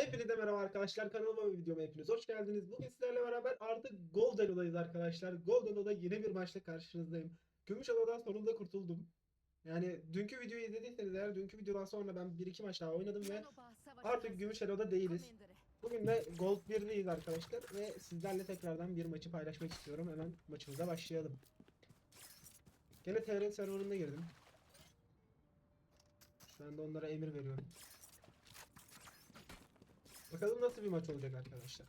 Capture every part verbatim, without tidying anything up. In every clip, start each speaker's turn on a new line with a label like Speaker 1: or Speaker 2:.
Speaker 1: Hepinize merhaba arkadaşlar, kanalıma ve videoma hepiniz hoş geldiniz. Bugün sizlerle beraber artık Gold Elo'dayız arkadaşlar. Gold Elo'da yeni bir maçla karşınızdayım. Gümüş Elo'dan sonunda kurtuldum. Yani dünkü videoyu izlediyseniz eğer dünkü videodan sonra ben bir iki maç daha oynadım ve artık Gümüş Elo'da değiliz. Bugün de Gold bir'deyiz arkadaşlar ve sizlerle tekrardan bir maçı paylaşmak istiyorum. Hemen maçımıza başlayalım. Gene T R serverına girdim. Şu anda onlara emir veriyorum. Bakalım nasıl bir maç olacak arkadaşlar.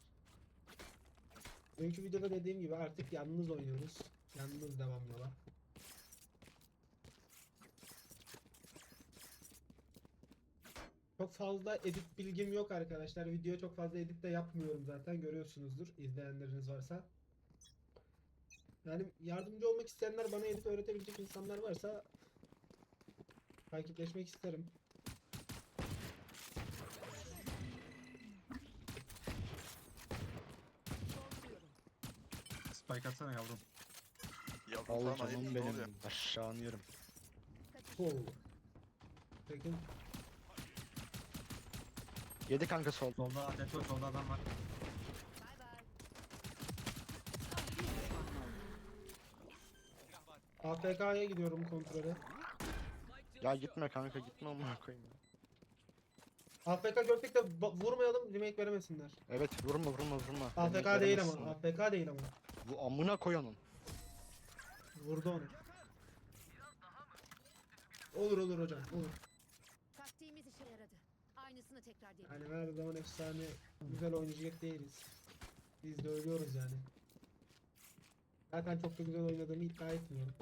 Speaker 1: Dünkü videoda dediğim gibi artık yalnız oynuyoruz. Yalnız devam yola. Çok fazla edit bilgim yok arkadaşlar. Videoya çok fazla edit de yapmıyorum zaten. Görüyorsunuzdur izleyenleriniz varsa. Yani yardımcı olmak isteyenler, bana edit öğretebilecek insanlar varsa takipleşmek isterim.
Speaker 2: Spike atsana yavrum.
Speaker 3: Yavrum
Speaker 4: Allah
Speaker 3: falan ayıp
Speaker 4: canım
Speaker 3: ne oluyor?
Speaker 4: benim. Aşağı yerim.
Speaker 1: Oh. Peki.
Speaker 4: Yedi kanka sol.
Speaker 2: Solda adet var, solda adam var.
Speaker 1: A F K'ya gidiyorum kontrole.
Speaker 4: Ya gitme kanka gitme amına koyayım ya.
Speaker 1: A F K gördük de ba- vurmayalım, remake veremesinler.
Speaker 4: Evet vurma vurma vurma.
Speaker 1: A F K
Speaker 4: Yemek
Speaker 1: değil
Speaker 4: veremezsin.
Speaker 1: ama. A F K değil ama.
Speaker 4: Bu amına koy onun.
Speaker 1: Vurdu onu. Olur olur hocam, olur.
Speaker 5: Taktiğimiz işe yaradı. Aynısını tekrar deneyelim.
Speaker 1: Yani her zaman efsane güzel oynayacak değiliz. Biz de ölüyoruz yani. Zaten çok da güzel oynadığımı iddia etmiyorum.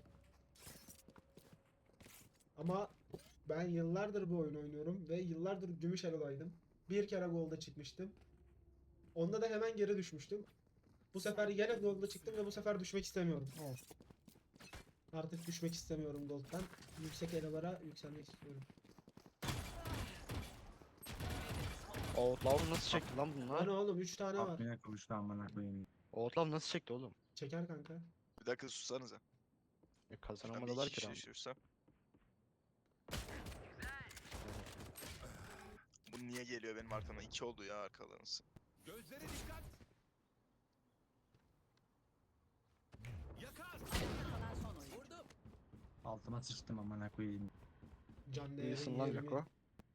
Speaker 1: Ama ben yıllardır bu oyunu oynuyorum ve yıllardır gümüş elo'daydım. Bir kere golda çıkmıştım. Onda da hemen geri düşmüştüm. Bu sefer yine golda çıktım ve bu sefer düşmek istemiyorum. Artık düşmek istemiyorum gold'dan. Yüksek elo'lara yükselmek istiyorum.
Speaker 4: Outlaw nasıl çekti lan bunlar?
Speaker 1: Hani oğlum üç tane var.
Speaker 2: Atmaya kavuştu amına koyayım.
Speaker 4: Outlaw nasıl çekti oğlum?
Speaker 1: Çeker kanka.
Speaker 3: Bir dakika sussanıza.
Speaker 4: E,
Speaker 3: Ben bir
Speaker 4: kazanamadılar
Speaker 3: iki
Speaker 4: ki
Speaker 3: kişi
Speaker 4: lan.
Speaker 3: düşürsem. Bu niye geliyor benim arkamdan? İki oldu ya arkalarınız.
Speaker 6: Gözlere dikkat. Yakar.
Speaker 5: Kalan son oyun.
Speaker 6: Vurdum.
Speaker 2: Altıma sıçtım amına koyayım.
Speaker 1: Can değeri
Speaker 4: İyisin lan
Speaker 1: yirmi.
Speaker 4: Joko.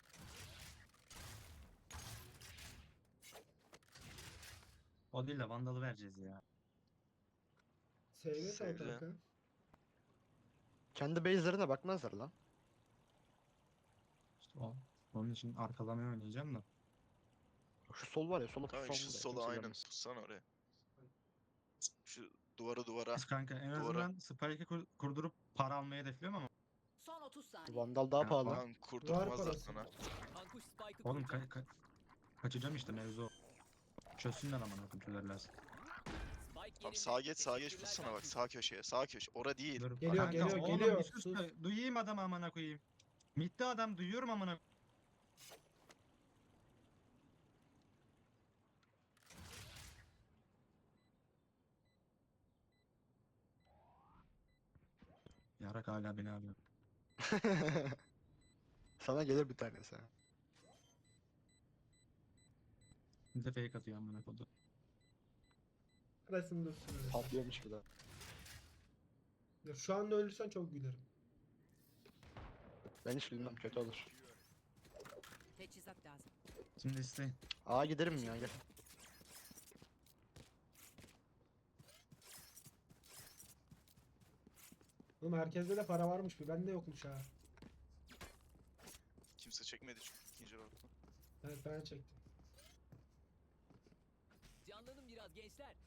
Speaker 2: O değil de Vandal'ı vereceğiz ya.
Speaker 1: Seyve sal
Speaker 3: Sevdi.
Speaker 1: kanka.
Speaker 4: Kendi base'lerine bakmazlar lan.
Speaker 2: İşte o. Onun için arkalamaya oynayacağım da.
Speaker 4: Şu sol var ya sola
Speaker 3: Tamam
Speaker 4: pussam
Speaker 3: şu
Speaker 4: burada,
Speaker 3: sola
Speaker 4: kimse
Speaker 3: aynen
Speaker 4: görmez.
Speaker 3: tutsan oraya. Şu duvara duvara.
Speaker 2: Kanka en
Speaker 3: Duvara.
Speaker 2: azından Spike'ı kur- kurdurup para almayı hedefliyorum ama.
Speaker 5: Son otuz saniye.
Speaker 4: Vandal daha
Speaker 2: Ya,
Speaker 4: pahalı.
Speaker 2: var.
Speaker 3: Lan kurdurtmazlar
Speaker 1: parası.
Speaker 3: sana.
Speaker 6: Kankuş Spike'ı
Speaker 2: Oğlum
Speaker 6: kurdu.
Speaker 2: ka- ka- kaçacağım işte mevzu o. Çözsünler amına koyayım çözerler.
Speaker 6: Spike
Speaker 3: Tamam
Speaker 6: yerinde.
Speaker 3: sağa geç sağa geç
Speaker 6: Teşekkürler
Speaker 3: tutsana bak
Speaker 6: Kankuş.
Speaker 3: sağ köşeye sağ köşe. Ora değil.
Speaker 2: Dur,
Speaker 1: Geliyor,
Speaker 2: kanka,
Speaker 1: geliyor,
Speaker 2: oğlum,
Speaker 1: geliyor.
Speaker 2: bir sus
Speaker 1: Sus.
Speaker 2: da duyayım adamı amına koyayım. Mitte adam duyuyorum amına. Yarak hala beni arıyor.
Speaker 4: Sana gelir bir tanesi. ha.
Speaker 2: Bir de fake atıyor amına koydu.
Speaker 1: Arasını dursun öyle.
Speaker 4: Patlıyormuş bir daha.
Speaker 1: Ya şu anda ölürsen çok gülerim.
Speaker 4: Ben hiç bilmem kötü olur.
Speaker 5: Teçhizat lazım.
Speaker 2: Şimdi isteyin.
Speaker 4: Aa giderim ya gel.
Speaker 1: Oğlum herkeste de para varmış bir. Bende yokmuş ha.
Speaker 3: Kimse çekmedi çünkü ikinci roundda.
Speaker 1: Evet ben çektim.
Speaker 6: Canlanın biraz gençler.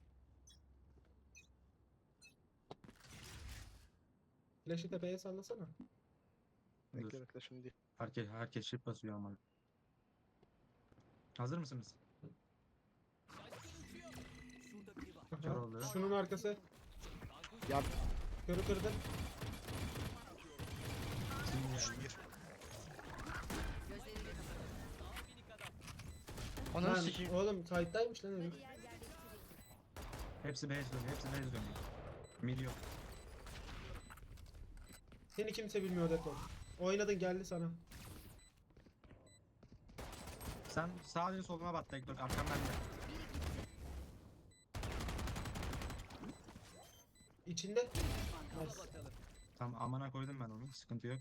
Speaker 1: Flash'ı tepeye sallasana.
Speaker 2: Dur.
Speaker 4: Bekle bekle şimdi değil.
Speaker 2: Herkes, herkes şif basıyor ama. Hazır mısınız?
Speaker 6: Şaşkın uçuyor. Şurada biri var.
Speaker 2: Kör oldu.
Speaker 1: Şunun arkası.
Speaker 6: Kankuş.
Speaker 4: Ya
Speaker 1: Körü kırdı.
Speaker 3: Şu bir.
Speaker 5: Gözleriyle kapatalım.
Speaker 6: Daha minik adam.
Speaker 4: ananı
Speaker 1: Lan,
Speaker 4: sikeyim.
Speaker 1: oğlum side'daymış lan herif.
Speaker 5: Diğer yerleştirildi.
Speaker 2: Hepsi base dönüyor, hepsi base dönüyor. Mid yok.
Speaker 1: Seni kimse bilmiyor Deton. Oynadın geldi sana.
Speaker 2: Sen sadece soluna bak Tektor. Arkam bende.
Speaker 1: İçinde.
Speaker 6: Al
Speaker 1: Nice.
Speaker 6: bakalım.
Speaker 2: Tamam amana koydum ben onu. Sıkıntı yok.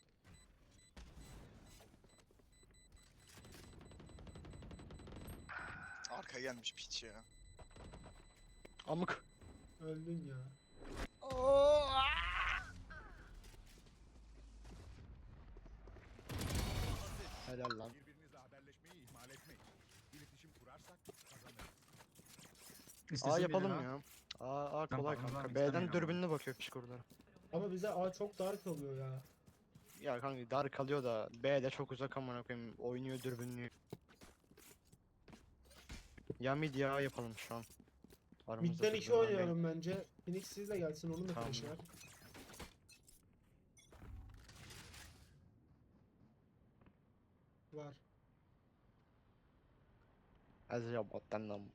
Speaker 3: Arka gelmiş piç ya.
Speaker 4: Amık.
Speaker 1: Öldün ya.
Speaker 4: Helal lan.
Speaker 7: Birbirinizle haberleşmeyi ihmal etmeyin. İletişim kurarsak kazanırız.
Speaker 2: İstesin
Speaker 4: A
Speaker 2: biri
Speaker 4: yapalım
Speaker 2: daha.
Speaker 4: ya. A, A
Speaker 2: Tamam,
Speaker 4: kolay
Speaker 2: tamam,
Speaker 4: kanka.
Speaker 2: istemiyorum
Speaker 4: B'den
Speaker 2: ama.
Speaker 4: dürbünle bakıyor piç kurdular.
Speaker 1: Ama bize A çok dar kalıyor ya.
Speaker 4: Ya kanka dar kalıyor da B'de çok uzak amına koyayım. Oynuyor dürbünlüyor. Ya mid ya A yapalım şu an. Aramızda
Speaker 1: Mid'den iki
Speaker 4: dürbün var.
Speaker 1: oynayalım bence. Phoenix sizle gelsin, onun da
Speaker 4: Tamam.
Speaker 1: flash'ı var. Var.
Speaker 4: Az ya bottan lan.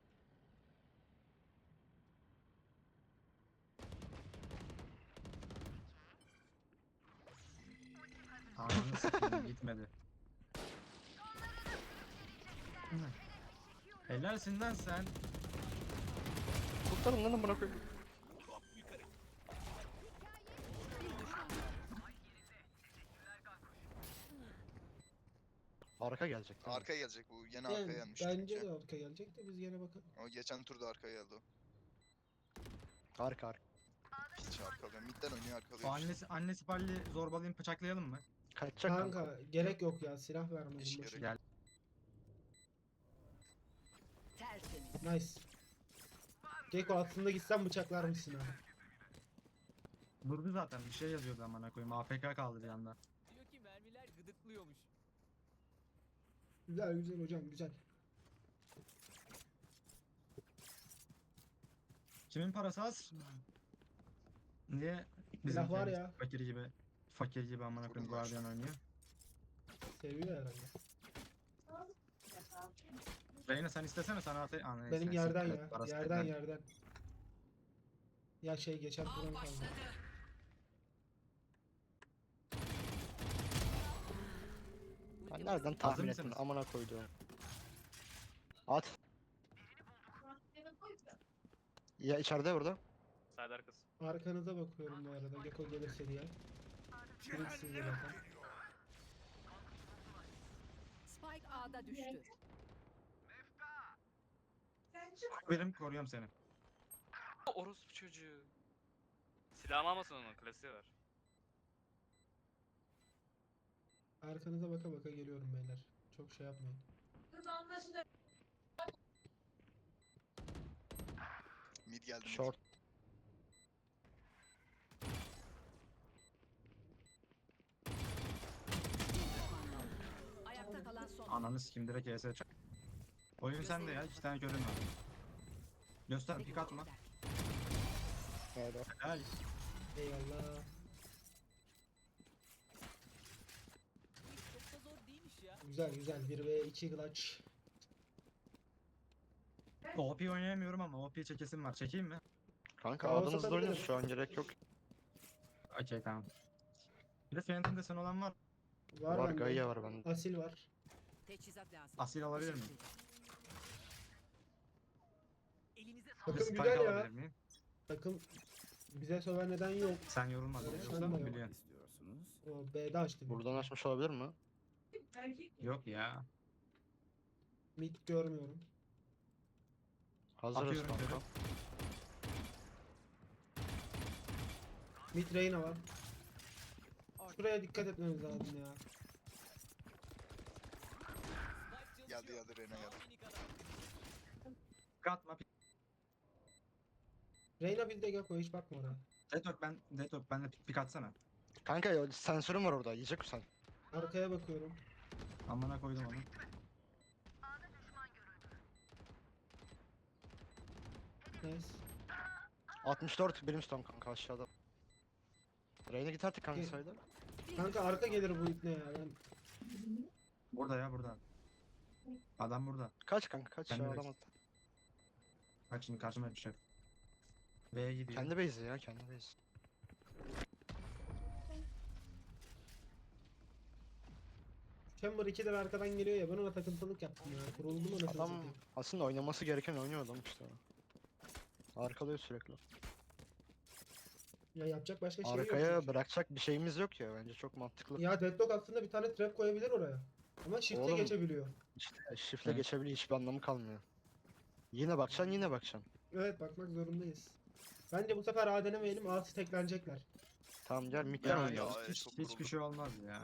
Speaker 2: Ananı sikeyim gitmedi. Hı. Helalsin lan sen.
Speaker 4: Kurtarın lan amına koyayım. Arka gelecek. değil mi?
Speaker 3: Arka gelecek bu. Yine
Speaker 1: Yani,
Speaker 3: arkaya gelmiş.
Speaker 1: bence
Speaker 3: çünkü.
Speaker 1: de arka gelecek de biz yine bakalım.
Speaker 3: O geçen turda arkaya geldi o.
Speaker 4: Arka arka.
Speaker 3: Piç arkalıyor. Midden oynuyor
Speaker 2: O
Speaker 3: arkalıyor işte.
Speaker 2: annesi annesi palli zorbalayayım bıçaklayalım mı?
Speaker 4: Kaçacak kanka.
Speaker 1: Kanka gerek yok ya, silah vermedim
Speaker 3: Hiç
Speaker 1: boşuna.
Speaker 3: gerek
Speaker 2: Gel.
Speaker 5: Tertemiz.
Speaker 1: Nice. Gecko aslında gitsen bıçaklar mısın ha?
Speaker 2: Durdu zaten bir şey yazıyordu amına koyayım. A F K kaldı bir anda.
Speaker 6: Diyor ki mermiler gıdıklıyormuş.
Speaker 1: Güzel güzel hocam, güzel.
Speaker 2: Kimin parası az? Niye
Speaker 1: Silah var
Speaker 2: bizimki
Speaker 1: ya.
Speaker 2: fakir gibi fakir gibi amına koyayım
Speaker 3: Sorun var.
Speaker 2: Guardian oynuyor?
Speaker 1: Seviyor herhalde.
Speaker 2: Reyna sen istesene sana atayım. Aa, neyse,
Speaker 1: Benim
Speaker 2: siktir
Speaker 1: yerden
Speaker 2: et,
Speaker 1: ya.
Speaker 2: parası
Speaker 1: Yerden
Speaker 2: yeter.
Speaker 1: yerden. Ya şey geçen turdan kaldı.
Speaker 4: Ben nereden tahmin ettim
Speaker 2: mısınız?
Speaker 4: amına koyduğum. At. Ya içeride burada.
Speaker 8: Side arkası.
Speaker 1: Arkanıza bakıyorum bu arada. Gecko gelirse diye. Phoenix sizle bakın.
Speaker 5: Spike A'da düştü.
Speaker 2: Benim koruyorum seni.
Speaker 8: Orospu çocuğu. Silahımı almasın onun klasiği var.
Speaker 1: Arkanıza baka baka geliyorum beyler. Çok şey yapmayın.
Speaker 3: Mid geldi. Mid.
Speaker 4: Short.
Speaker 5: Ayakta kalan son.
Speaker 2: Ananı sikim direkt E S çak. Oyun sende ya. iki tane körün var. Göster pik atma.
Speaker 4: Nerede?
Speaker 2: Helal.
Speaker 1: Eyvallah.
Speaker 6: Çok da zor değilmiş ya.
Speaker 1: Güzel güzel. bir ve iki clutch.
Speaker 2: O P oynayamıyorum ama O P çekesim var. Çekeyim mi?
Speaker 4: Kanka
Speaker 1: Aa,
Speaker 4: adınızda
Speaker 1: satabilirim.
Speaker 4: oynuyoruz şu an gerek yok.
Speaker 2: Okey tamam. Bir de Phantom desen olan var.
Speaker 1: Var,
Speaker 4: Var
Speaker 1: bende.
Speaker 4: Gaia var bende.
Speaker 1: Asil var.
Speaker 5: Teçhizat lazım.
Speaker 2: Asil alabilir miyim?
Speaker 6: Elinize
Speaker 2: Bir de
Speaker 1: Takım
Speaker 2: Spike
Speaker 1: güzel ya.
Speaker 2: alabilir miyim?
Speaker 1: Takım bize söven neden yok.
Speaker 2: Sen yorulmadın
Speaker 1: Öyle
Speaker 2: yoksa
Speaker 1: sanma
Speaker 2: mı
Speaker 1: yok.
Speaker 2: biliyorsun?
Speaker 7: İstiyorsunuz.
Speaker 1: O B'de açtı. büyük
Speaker 4: Buradan
Speaker 1: ihtimal.
Speaker 4: açmış olabilir mi?
Speaker 2: Yok ya.
Speaker 1: Mid görmüyorum.
Speaker 4: Hazırız
Speaker 2: Atıyorum
Speaker 4: kanka.
Speaker 2: körü.
Speaker 1: Mid Reyna var. Şuraya dikkat etmemiz lazım ya.
Speaker 6: snipe
Speaker 3: Geldi
Speaker 6: çalışıyor.
Speaker 3: geldi Reyna geldi.
Speaker 6: Minik adam.
Speaker 2: Pik atma. Pik.
Speaker 1: Reyna bizde Gecko, hiç bakma oraya.
Speaker 2: Detok ben Detok benle pik, pik atsana.
Speaker 4: Kanka ya sensörüm var orada. Yiyecek misin sen?
Speaker 1: Arkaya bakıyorum.
Speaker 2: Amına koydum onu.
Speaker 1: Nice.
Speaker 4: altmış dört Brimstone kanka aşağıda. Reyna git artık kanka
Speaker 1: Gel.
Speaker 4: sayda.
Speaker 1: Kanka arka gelir bu ipne ya. Ben
Speaker 2: Burada ya burada. Adam burada.
Speaker 4: Kaç kanka kaç
Speaker 2: Ben
Speaker 4: ya
Speaker 2: direkt-
Speaker 4: adam attı.
Speaker 2: Bak şimdi karşıma düşecek. B'ye gidiyor.
Speaker 4: Kendi base'i ya kendi base.
Speaker 1: Chamber iki de arkadan geliyor ya, ben ona takıntılık yaptım ya. Kuruldum anasını
Speaker 4: Adam
Speaker 1: satayım.
Speaker 4: aslında oynaması gereken oynuyor adam işte. Arkalıyor sürekli.
Speaker 1: Ya yapacak başka şey yok.
Speaker 4: Arkaya
Speaker 1: çünkü.
Speaker 4: bırakacak bir şeyimiz yok ya, bence çok mantıklı.
Speaker 1: Ya Deadlock aslında bir tane trap koyabilir oraya. Ama shift'e
Speaker 4: Oğlum.
Speaker 1: geçebiliyor.
Speaker 4: İşte shift'le
Speaker 2: Evet.
Speaker 4: geçebiliyor, hiçbir anlamı kalmıyor. Yine bakacaksın, yine bakacaksın.
Speaker 1: Evet, bakmak zorundayız. Bence bu sefer A denemeyelim, A teklenecekler.
Speaker 4: Tamam gel midden
Speaker 2: Ya,
Speaker 4: oynayalım.
Speaker 3: ya,
Speaker 2: hiç,
Speaker 3: çok
Speaker 2: hiçbir
Speaker 3: vuruldum.
Speaker 2: şey olmaz ya.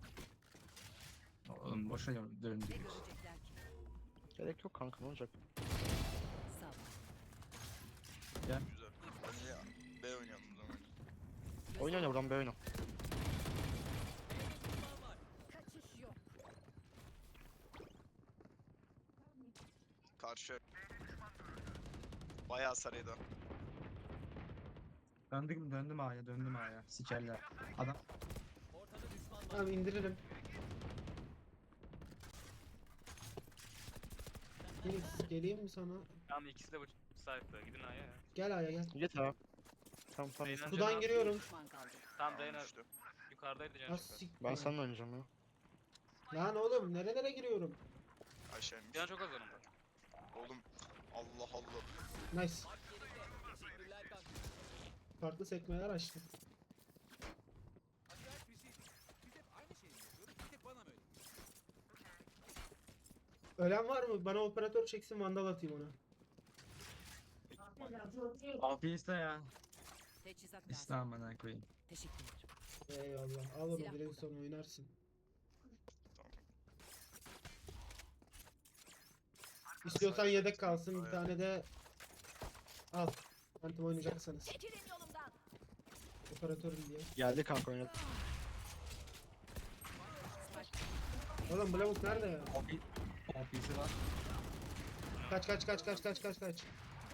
Speaker 2: Oğlum boşa
Speaker 5: Ne
Speaker 2: döndük.
Speaker 5: görecekler ki?
Speaker 4: Gerek yok kanka, ne olacak?
Speaker 5: Sağ ol.
Speaker 3: Güzel. Ben ya B oynayalım o zaman.
Speaker 4: Oyna oyna buradan, bir oyna.
Speaker 5: Kaçış yok.
Speaker 3: Karşı. Bayağı sarıydı.
Speaker 2: Döndüm döndüm A'ya döndüm A'ya. Sikerler. Adam
Speaker 6: Ortada düşman var.
Speaker 1: Tamam, indiririm. Phoenix, geleyim mi sana?
Speaker 8: Tamam ikisi de bu sahipte. Gidin A'ya ya.
Speaker 1: Gel Aya gel.
Speaker 4: Git abi. Tamam tamam.
Speaker 8: Beyler-
Speaker 1: Sudan
Speaker 8: Canım.
Speaker 1: giriyorum.
Speaker 5: Düşman kaldı.
Speaker 8: Tamam
Speaker 3: Tamam,
Speaker 8: Reyna
Speaker 3: düştü.
Speaker 8: yukarıdaydı can
Speaker 1: Ah,
Speaker 8: çıktı.
Speaker 1: sik-
Speaker 4: Ben seninle oynayacağım ya.
Speaker 1: Lan oğlum, nerelere giriyorum?
Speaker 3: Aşağıymış.
Speaker 8: Can çok az yanımda.
Speaker 3: Oğlum. Allah Allah.
Speaker 1: Nice.
Speaker 6: Bak yerinde. Teşekkürler kanka.
Speaker 1: Farklı sekmeler açtım.
Speaker 7: Acayip bir şey. Biz hep aynı şeyi mi yapıyoruz? Bir tek bana mı öyle?
Speaker 1: Ölen var mı? Bana operatör çeksin, vandal atayım ona.
Speaker 2: Afiyet ya.
Speaker 5: Teçhizat lazım.
Speaker 2: İslam'ına koyayım.
Speaker 5: Teşekkürler.
Speaker 1: Eyvallah. Al onu,
Speaker 5: Silah
Speaker 1: biraz
Speaker 5: buldum.
Speaker 1: sonra oynarsın. İstiyorsan yedek kalsın, bir tane de al. Phantom oynayacaksanız.
Speaker 5: Çekilin yolumdan.
Speaker 1: Operatörüm diye.
Speaker 4: Geldi kanka, oynadı.
Speaker 1: Oğlum Blavuk nerede ya?
Speaker 2: Ofi Ofisi var.
Speaker 1: Kaç kaç kaç kaç kaç kaç kaç.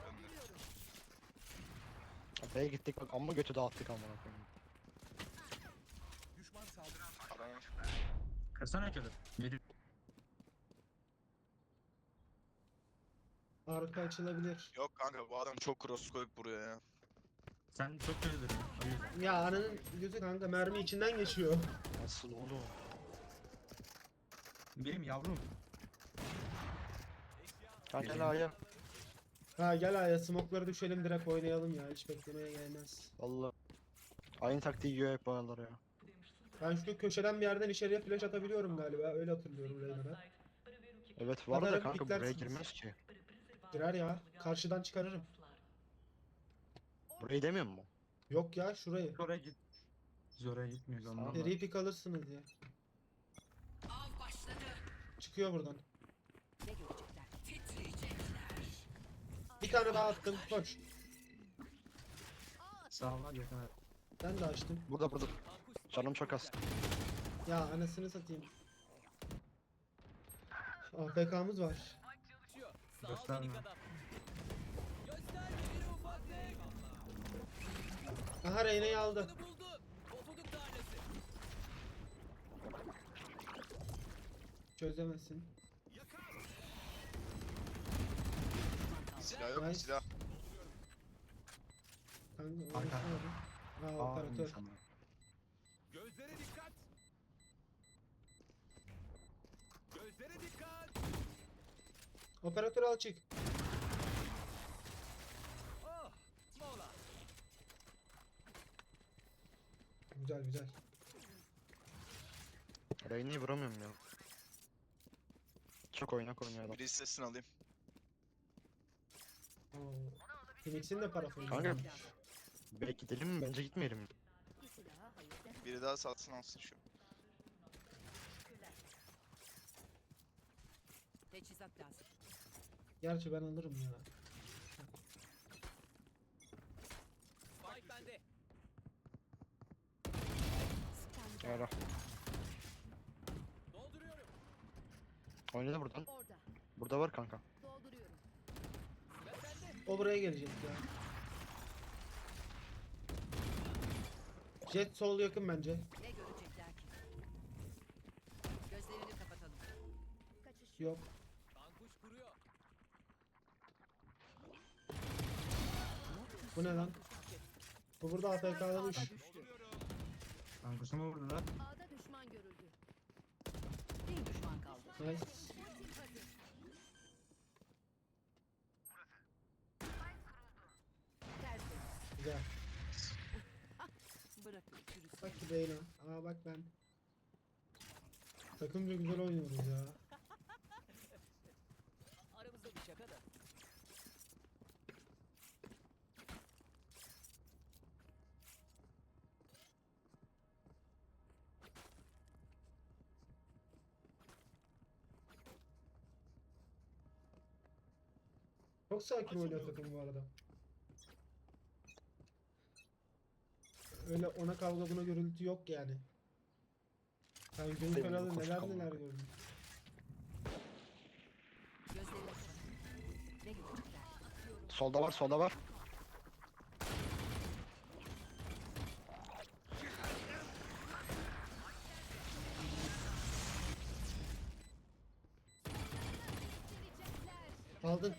Speaker 4: B'ye gittik bak, amma götü dağıttık amına koyayım.
Speaker 7: Düşman saldıran
Speaker 3: Aranır.
Speaker 2: Kırsana körü. Yedi.
Speaker 1: Arka açılabilir.
Speaker 3: Yok kanka, bu adam çok cross koyup buraya ya.
Speaker 2: Sen çok kötü duruyorsun. O yüzden.
Speaker 1: Ya ananın gözü kanka, mermi içinden geçiyor.
Speaker 4: Nasıl oğlum?
Speaker 2: Benim yavrum.
Speaker 4: Kanka gel A'ya.
Speaker 1: Ha gel Aya, smoke'ları düşelim, direkt oynayalım ya, hiç beklemeye gelmez.
Speaker 4: Valla. Aynı taktiği yiyor hep bu aralar ya.
Speaker 1: Ben şu köşeden bir yerden içeriye flash atabiliyorum galiba, öyle hatırlıyorum Reyna'da.
Speaker 4: Evet var
Speaker 1: Kadar
Speaker 4: da kanka buraya
Speaker 1: piklersiniz.
Speaker 4: girmez ki.
Speaker 1: Girer ya, karşıdan çıkarırım.
Speaker 4: Burayı demiyor mu?
Speaker 1: Yok ya, şurayı.
Speaker 2: Oraya git. Biz oraya gitmiyoruz ondan.
Speaker 1: Seri pick alırsınız ya.
Speaker 5: Av başladı.
Speaker 1: Çıkıyor buradan.
Speaker 5: Ne görecekler? Titriyecekler.
Speaker 1: Bir tane daha attım, koş.
Speaker 2: Sağ ol yakın.
Speaker 1: Ben de açtım.
Speaker 4: Burada burada.
Speaker 6: Kankuş.
Speaker 4: Canım çok az.
Speaker 1: Ya anasını satayım. A F K'mız var.
Speaker 6: Çalışıyor. Sağ ol
Speaker 2: Gösterme.
Speaker 6: minik adam. Göster biri ufaklık.
Speaker 1: Aha, Reyna'yı aldı.
Speaker 6: Bunu buldun. Pofuduk tanesi.
Speaker 1: Çözemezsin.
Speaker 3: Silah yok,
Speaker 1: Nice.
Speaker 3: silah.
Speaker 1: Kanka,
Speaker 2: Arka.
Speaker 1: orası nerede? Ha,
Speaker 2: Aa,
Speaker 1: operatör.
Speaker 2: insan.
Speaker 7: gözlere dikkat. Gözlere dikkat.
Speaker 1: Operatör al, çık.
Speaker 6: Oh. Mola.
Speaker 1: Güzel güzel.
Speaker 4: Reyne'yi vuramıyorum ya. Çok oynak oynuyor adam.
Speaker 3: Bir listesini alayım.
Speaker 1: Oo. Phoenix'in de parafonu.
Speaker 4: Kanka belki gidelim mi? Bence gitmeyelim.
Speaker 5: Bir silaha hayır de.
Speaker 3: Biri daha satsın alsın şu.
Speaker 5: Teçhizat lazım.
Speaker 1: Gerçi ben alırım ya.
Speaker 6: Spike bende.
Speaker 4: Ara.
Speaker 6: Dolduruyorum.
Speaker 4: Oynadı buradan.
Speaker 5: Orada.
Speaker 4: Burada var kanka.
Speaker 5: Dolduruyorum.
Speaker 6: Ve sende.
Speaker 1: O buraya gelecek ya. Jet sol yakın bence.
Speaker 5: Ne görecekler ki? Gözlerini kapatalım. Kaçış
Speaker 1: Yok.
Speaker 6: Kankuş kuruyor.
Speaker 1: Bu ne lan? Bu burada A F K'lamış.
Speaker 5: düştü.
Speaker 2: Kankusu mu vurdular?
Speaker 5: A'da düşman görüldü. Bir
Speaker 1: Nice. Güzel.
Speaker 5: Bırakın çürüsün.
Speaker 1: Bak ki Beyna. Aa bak ben. Takımca güzel oynuyoruz ya.
Speaker 6: Aramızda bir şaka da.
Speaker 1: Çok sakin oynuyor takım bu arada. Öyle ona kavga buna gürültü yok yani. Sen gün
Speaker 4: Benim
Speaker 1: kralı
Speaker 4: koşu
Speaker 1: neler
Speaker 4: kalmadı.
Speaker 1: neler gördün.
Speaker 5: Gözlerini kapat. Ne görecekler?
Speaker 4: Solda var, solda var.
Speaker 1: Aldın.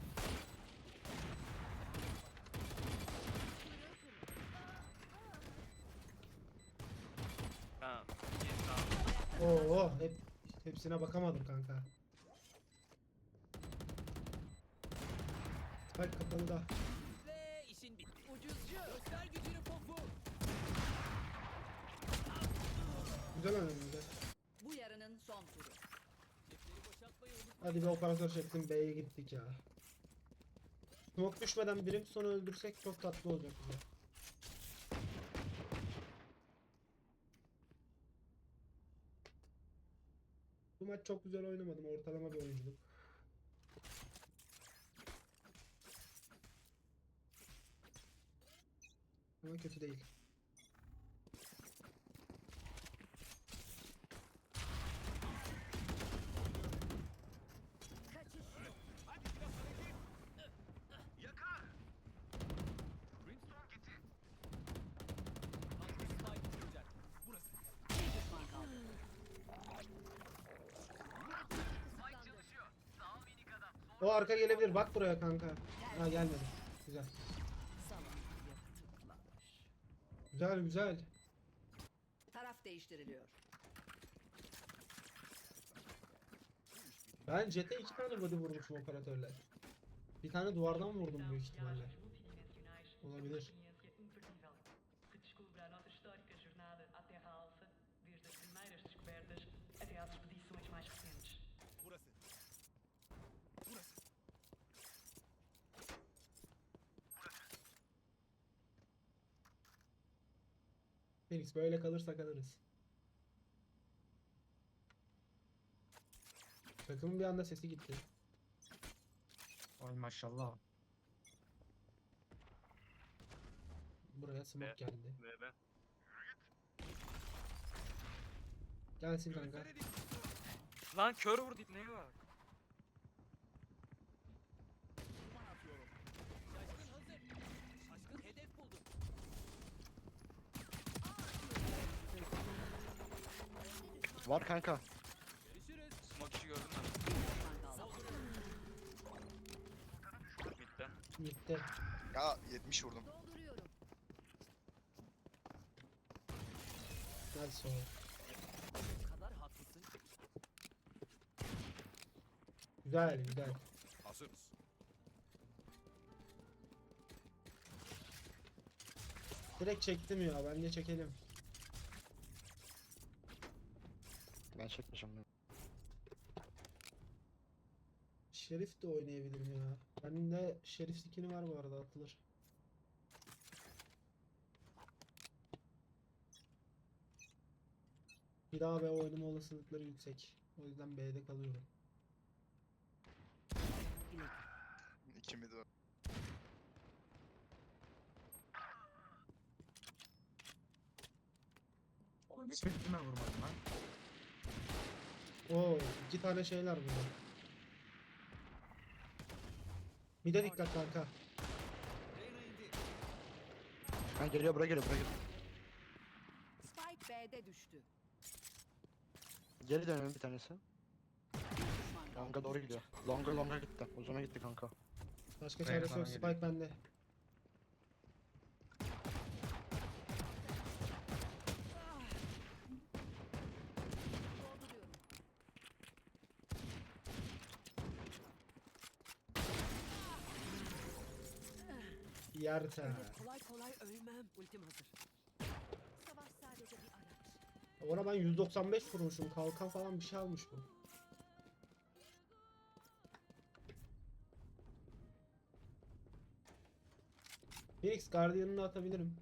Speaker 8: Ha. iyi, tamam.
Speaker 1: Oo, hep hepsine bakamadım kanka. Bak kapalı da.
Speaker 6: Ve işin bitti. Ucuzcu. Göster gücünü Pofu.
Speaker 1: Güzel oynadın güzel.
Speaker 5: Bu yarının son turu.
Speaker 6: Cepleri boşaltmayı unutma.
Speaker 1: Hadi bir operatör çektim B'ye gittik ya. Smoke düşmeden birim sonu öldürsek çok tatlı olacak bize. Bu maç çok güzel oynamadım. Ortalama bir oyunculuk. Ama kötü değil.
Speaker 5: Kaçış.
Speaker 6: Spike kuracak.
Speaker 5: Bir düşman kaldı.
Speaker 1: O arka gelebilir. Bak buraya kanka. Ha gelmedi. Güzel.
Speaker 5: Salon yakıtlar.
Speaker 1: Güzel güzel.
Speaker 5: Taraf değiştiriliyor.
Speaker 1: Ben Jet'e iki tane body vurmuşum operatörle. Bir tane duvardan vurdum büyük ihtimalle. Olabilir.
Speaker 9: Que descubra a nossa histórica jornada à Terra Alfa, desde as primeiras descobertas até às expedições mais recentes.
Speaker 7: Burası. Burası.
Speaker 1: Phoenix böyle kalırsa kalırız. Takımın bir anda sesi gitti.
Speaker 2: Ay maşallah.
Speaker 1: Buraya smoke
Speaker 8: Be.
Speaker 1: geldi.
Speaker 8: Be be.
Speaker 1: Gelsin kanka.
Speaker 8: Lan kör vurdu neye bak.
Speaker 6: Şaşkın hazır. Şaşkın hedef buldu.
Speaker 4: Var kanka.
Speaker 6: Görüşürüz.
Speaker 8: Smoke işi gördün mü?
Speaker 5: Bir düşman kaldı.
Speaker 8: Mid'den.
Speaker 1: Gitti.
Speaker 3: Ya yetmiş vurdum.
Speaker 5: Dolduruyorum.
Speaker 1: Nice o.
Speaker 6: O kadar haklısın ki.
Speaker 1: Güzel güzel.
Speaker 7: Hazırız.
Speaker 1: Direkt çektim ya. Bence çekelim.
Speaker 4: Ben çekmişim.
Speaker 1: Şerif de oynayabilirim ya. Bende Şerif skin'i var bu arada atılır. Bir daha B oynama olasılıkları yüksek. O yüzden B'de kalıyorum.
Speaker 3: İki mid var.
Speaker 2: Oğlum hiç birbirine vurmadım lan.
Speaker 1: Oo, iki tane şeyler burada. Bir de dikkat kanka.
Speaker 6: Reyna indi.
Speaker 4: Ha geliyor, buraya geliyor, buraya geliyor.
Speaker 5: Spike B'de düştü.
Speaker 4: Geri dönelim bir tanesi.
Speaker 5: Bir düşman kaldı.
Speaker 4: Longa doğru gidiyor. Longa longa gitti. Uzuna gitti kanka.
Speaker 1: Başka
Speaker 2: Buraya
Speaker 1: çaresi yok.
Speaker 2: falan
Speaker 1: Spike bende.
Speaker 5: Dolduruyorum.
Speaker 1: Yerse.
Speaker 6: Öyle kolay kolay ölmem. Ultim hazır.
Speaker 5: Savaş sadece bir araç.
Speaker 1: Ona ben yüz doksan beş vurmuşum. Kalkan falan bir şey almış bu. Phoenix Guardian'ını atabilirim.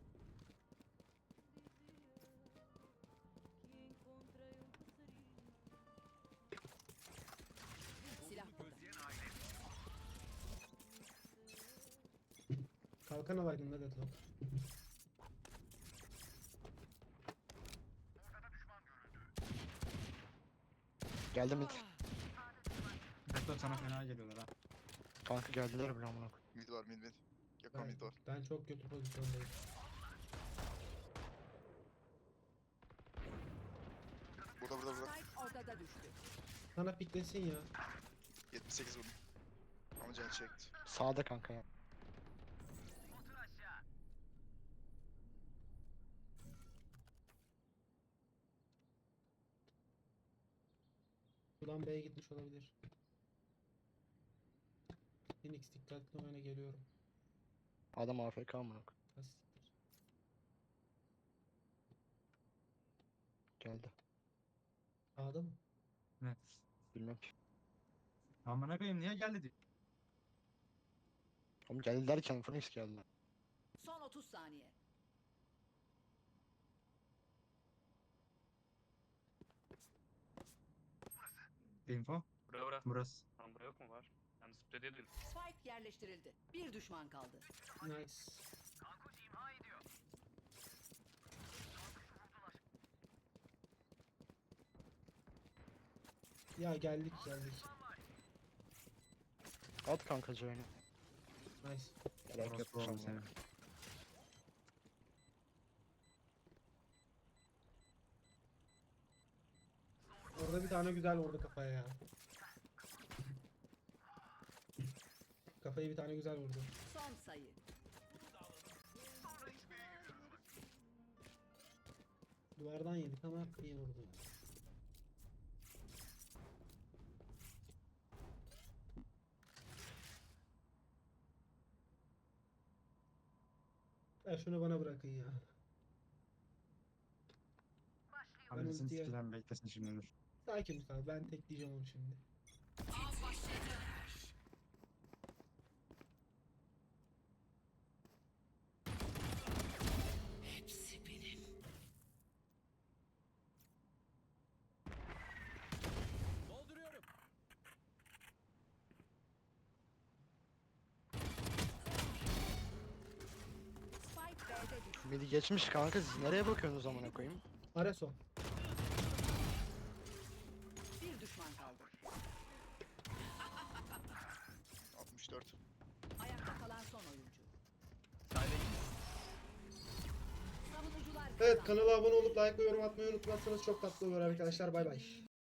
Speaker 6: Silah burada.
Speaker 1: Kalkan alaydın da Deadlock.
Speaker 4: Geldi mid.
Speaker 2: Bekle sana fena geliyorlar ha.
Speaker 4: Kanka geldiler bile amına koyayım.
Speaker 3: Mid var mid mid. Yakın
Speaker 1: Ben,
Speaker 3: mid var.
Speaker 1: ben çok kötü pozisyondayım.
Speaker 3: Burada burada burada.
Speaker 6: Spike ortada düştü.
Speaker 1: Sana piklesin ya.
Speaker 3: yetmiş sekiz vurdum. Ama can çekti.
Speaker 4: Sağda kanka ya.
Speaker 1: Ulan B'ye gitmiş olabilir. Phoenix dikkatli oyna geliyorum.
Speaker 4: Adam A F K amına koyayım.
Speaker 1: Ha, siktir.
Speaker 4: Geldi.
Speaker 1: A'da mı?
Speaker 2: Evet.
Speaker 4: Bilmem ki.
Speaker 2: Amına koyayım niye geldi diyor.
Speaker 4: Oğlum geldi derken Phoenix geldi.
Speaker 6: Son otuz saniye.
Speaker 2: Info.
Speaker 8: Bura bura.
Speaker 2: Burası.
Speaker 8: Lan bura yok mu var? Yalnız zıpla dedim.
Speaker 6: Spike yerleştirildi. Bir düşman kaldı.
Speaker 1: Nice. Ya geldik geldik.
Speaker 4: At kanka C'ni.
Speaker 1: Nice.
Speaker 4: Gerek yok
Speaker 2: Orospu oğlum
Speaker 4: sana.
Speaker 2: senin.
Speaker 1: Orada bir tane güzel vurdu kafaya ya. Kafayı bir tane güzel vurdu.
Speaker 6: Son sayı.
Speaker 1: Duvardan yedik ama iyi vurdu. Ya şunu bana bırakın ya.
Speaker 2: Hamlesini
Speaker 1: ultiye-
Speaker 2: sikilen beklesin şimdi dur.
Speaker 1: Sakin kal, ben tekleyeceğim onu şimdi.
Speaker 7: Dolduruyorum.
Speaker 6: Spike B'de düştü.
Speaker 4: Midi geçmiş kanka siz nereye bakıyorsunuz amına koyayım?
Speaker 1: Areso.
Speaker 6: Bir düşman kaldı.
Speaker 3: altmış dört.
Speaker 6: Ayakta kalan son oyuncu.
Speaker 8: Sayda
Speaker 6: Savunucular
Speaker 1: Evet,
Speaker 6: kazandı.
Speaker 1: kanala abone olup like ve yorum atmayı unutmazsanız çok tatlı olur arkadaşlar. Bay bay.